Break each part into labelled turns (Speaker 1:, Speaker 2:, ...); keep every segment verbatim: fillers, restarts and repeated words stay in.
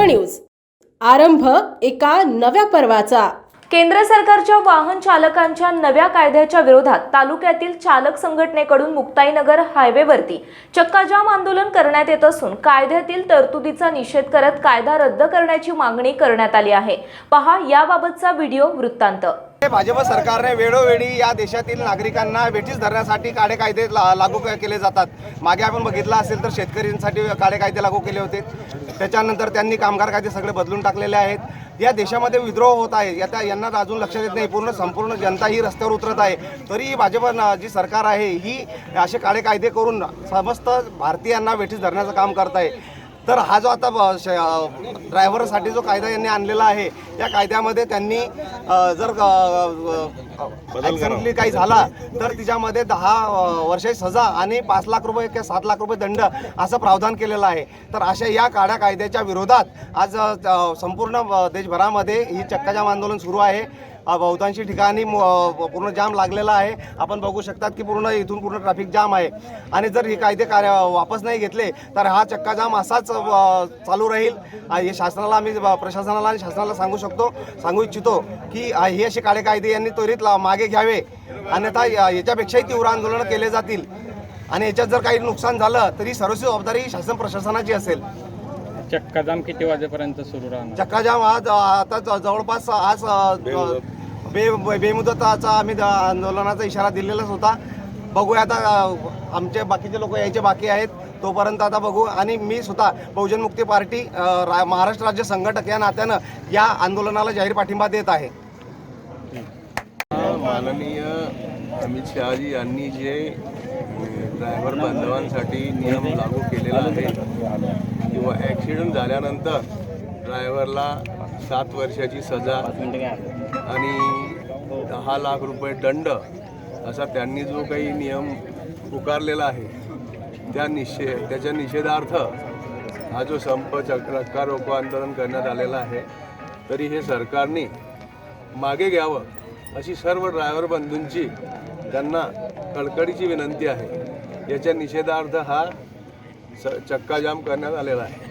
Speaker 1: News, आरंभ एका नव्या पर्वाचा।
Speaker 2: केंद्र सरकारच्या वाहन चालकांच्या नव्या कायद्याच्या विरोधात तालुक्यातील चालक संघटनेकडून मुक्ताईनगर हायवेवरती चक्काजाम आंदोलन करण्यात येत असून कायद्यातील तरतुदीचा निषेध करत कायदा रद्द करण्याची मागणी करण्यात आली आहे। पहा याबाबतचा व्हिडिओ वृत्तांत।
Speaker 3: भाजप सरकारने वेळोवेळी या देशातील नागरिकांना वेठीस धरण्यासाठी काळे कायदे लागू केले जातात। मागे आपण बघितलं असेल तर शेतकऱ्यांसाठी काळे कायदे लागू केले होते, त्याच्यानंतर त्यांनी कामगार कायदे सगळे बदलून टाकलेले आहेत। या देशामध्ये विद्रोह होत आहे, याचा यांना अजून लक्षात येत नाही। पूर्ण संपूर्ण जनता ही रस्त्यावर उतरत आहे, तरी भाजप जी सरकार आहे ही असे काळे कायदे करून समस्त भारतीयांना वेठीस धरण्याचं काम करत आहे। तर हा जो आता ड्रायव्हरसाठी जो कायदा यांनी आणलेला आहे, या कायद्यामध्ये त्यांनी जर ॲक्सिडेंटली काही झाला तर तिच्यामध्ये दहा वर्षाची सजा आणि पाच लाख रुपये किंवा सात लाख रुपये दंड असं प्रावधान केलेलं आहे। तर अशा या काळ्या कायद्याच्या विरोधात आज संपूर्ण देशभरामध्ये ही चक्काजाम आंदोलन सुरू आहे। बहुतांशी ठिकाणी पूर्ण जाम लागलेला आहे। आपण बघू शकतात की पूर्ण इथून पूर्ण ट्रॅफिक जाम आहे आणि जर हे कायदे कार्य वापस नाही घेतले तर हा चक्काजाम असाच चालू राहील। हे शासनाला आम्ही प्रशासनाला आणि शासनाला सांगू शकतो सांगू इच्छितो की हे असे काळे कायदे यांनी त्वरित मागे घ्यावे, अन्यथा याच्यापेक्षाही तीव्र आंदोलन केले जातील आणि याच्यात जर काही नुकसान झालं तरी सर्वस्वी जबाबदारी शासन प्रशासनाची असेल।
Speaker 4: चक्काजाम किती वाजेपर्यंत सुरू राहणार?
Speaker 3: चक्काजाम आज आता जवळपास आज बे बेमुदताचा आम्ही आंदोलनाचा इशारा दिलेलाच होता। बघूया आता, आमचे बाकीचे लोक यायचे बाकी आहेत, तोपर्यंत आता बघू। आणि मी स्वतः बहुजन मुक्ती पार्टी महाराष्ट्र राज्य संघटक या नात्यानं या आंदोलनाला जाहीर पाठिंबा देत आहे।
Speaker 5: माननीय अमित शहाजी यांनी जे ड्रायव्हर बांधवांसाठी नियम लागू केलेला आहे किंवा ॲक्सिडेंट झाल्यानंतर ड्रायव्हरला सात वर्षाची सजा आणि दहा लाख रुपये दंड असा त्यांनी जो काही नियम पुकारलेला आहे, त्या निषेध त्याच्या निषेधार्थ हा जो संप चक्का रोको आंदोलन करण्यात आलेला आहे। तरी हे सरकारने मागे घ्यावं अशी सर्व ड्रायव्हर बंधूंची त्यांना कळकळीची विनंती आहे। याच्या निषेधार्थ हा चक्काजाम करण्यात आलेला आहे।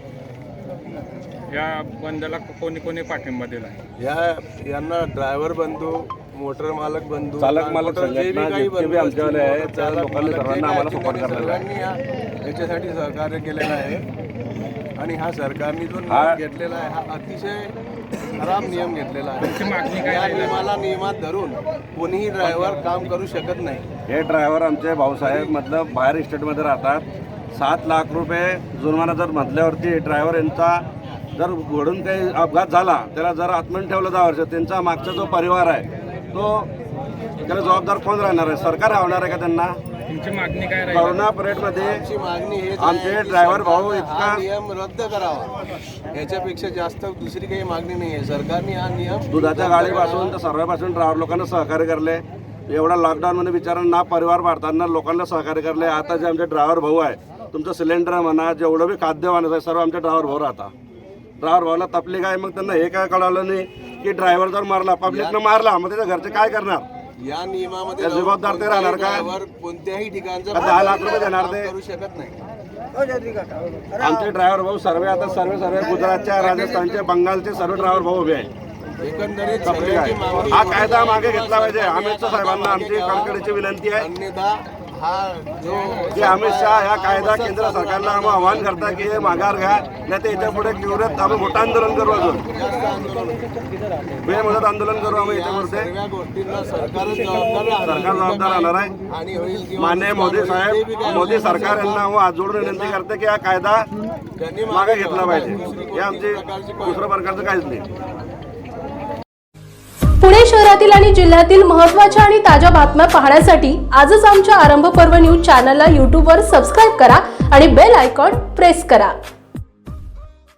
Speaker 4: या बंदला कोणी कोणी पाठिंबा दिला?
Speaker 5: या यांना ड्रायव्हर बंधू, मोटर मालक बंधू,
Speaker 6: चालक मालक
Speaker 5: जे बी काही बंधू
Speaker 6: आमच्यावाले आहेत त्या लोकांनी सर्वांना आम्हाला सपोर्ट करलेला
Speaker 5: आहे, याच्यासाठी सहकार्य केलेलं आहे। आणि हा सरकारने जो नियम घेतलेला आहे हा अतिशय खराब नियम घेतलेला आहे। या नियमाला नियमात धरून कोणीही ड्रायव्हर काम करू शकत नाही।
Speaker 6: हे ड्रायव्हर आमचे भाऊसाहेब मतलब बाहेर इस्टेटमध्ये राहतात। सात लाख रुपये जुर्माना जर म्हटल्यावरती ड्रायव्हर यांचा जर घडून काही अपघात झाला, त्याला जर आत्मन ठेवलं दहा वर्ष, त्यांचा मागचा जो परिवार आहे तो त्याला जबाबदार कोण राहणार आहे? सरकार राहणार आहे का त्यांना?
Speaker 4: तुमची मागणी काय राहील?
Speaker 6: करोना पिरियडमध्ये
Speaker 5: आमची मागणी हे
Speaker 6: आमचे ड्रायव्हर भाऊ इतका
Speaker 5: नियम रद्द करावा, याच्यापेक्षा जास्त दुसरी काही मागणी नाही आहे। सरकारने हा नियम
Speaker 6: दुधाच्या गाडीपासून तर सर्वांपासून ड्रायव्हर लोकांना सहकार्य करले। एवढा लॉकडाऊनमध्ये बिचारांना परिवार भारतांना लोकांना सहकार्य करले। आता जे आमचे ड्रायव्हर भाऊ आहे, तुमचं सिलेंडर म्हणा, जेवढं बी खाद्य आहे सर्व आमचे ड्रायव्हर भाऊ राहता। ड्रायव्हर भाऊला तपली काय, मग त्यांना हे काय कळालं नाही की ड्रायव्हर जर मारला, पब्लिकनं मारला, मग त्याच्या घरचे काय करणार?
Speaker 5: या नियमामध्ये
Speaker 6: जबाबदार ते राहणार का?
Speaker 5: कोणत्याही ठिकाणचा
Speaker 6: दहा लाख रुपये देणार ते
Speaker 5: करू शकत नाही।
Speaker 6: आमचे ड्रायव्हर भाऊ सर्व आता सर्व सर्व गुजरातच्या, राजस्थानचे, बंगालचे सर्व ड्रायव्हर भाऊ उभे आहे।
Speaker 5: एकंदरीत
Speaker 6: हा कायदा मागे घेतला पाहिजे। अमित शहा साहेबांना आमची कळकळीची विनंती आहे।
Speaker 5: अन्यथा हा जो
Speaker 6: की अमित शहा ह्या कायदा केंद्र सरकारला आम्ही आवाहन करता की हे माघार घ्या, नाही तर याच्या पुढे तीव्र आम्ही मोठं आंदोलन करू, अजून बेमुदत आंदोलन करू आम्ही याच्यापुढे। सरकार जबाबदार राहणार आहे। माननीय मोदी साहेब, मोदी सरकार यांना आज जोडून विनंती करते की हा कायदा मागे घेतला पाहिजे। हे आमची दुसऱ्या प्रकारचं काहीच नाही।
Speaker 1: पुणे शहरातील आणि जिल्ह्यातील महत्त्वाच्या आणि ताज्या बातम्या पाहण्यासाठी आजच आमच्या आरंभ पर्व न्यूज चॅनलला यूट्यूबवर सबस्क्राईब करा आणि बेल आयकॉन प्रेस करा।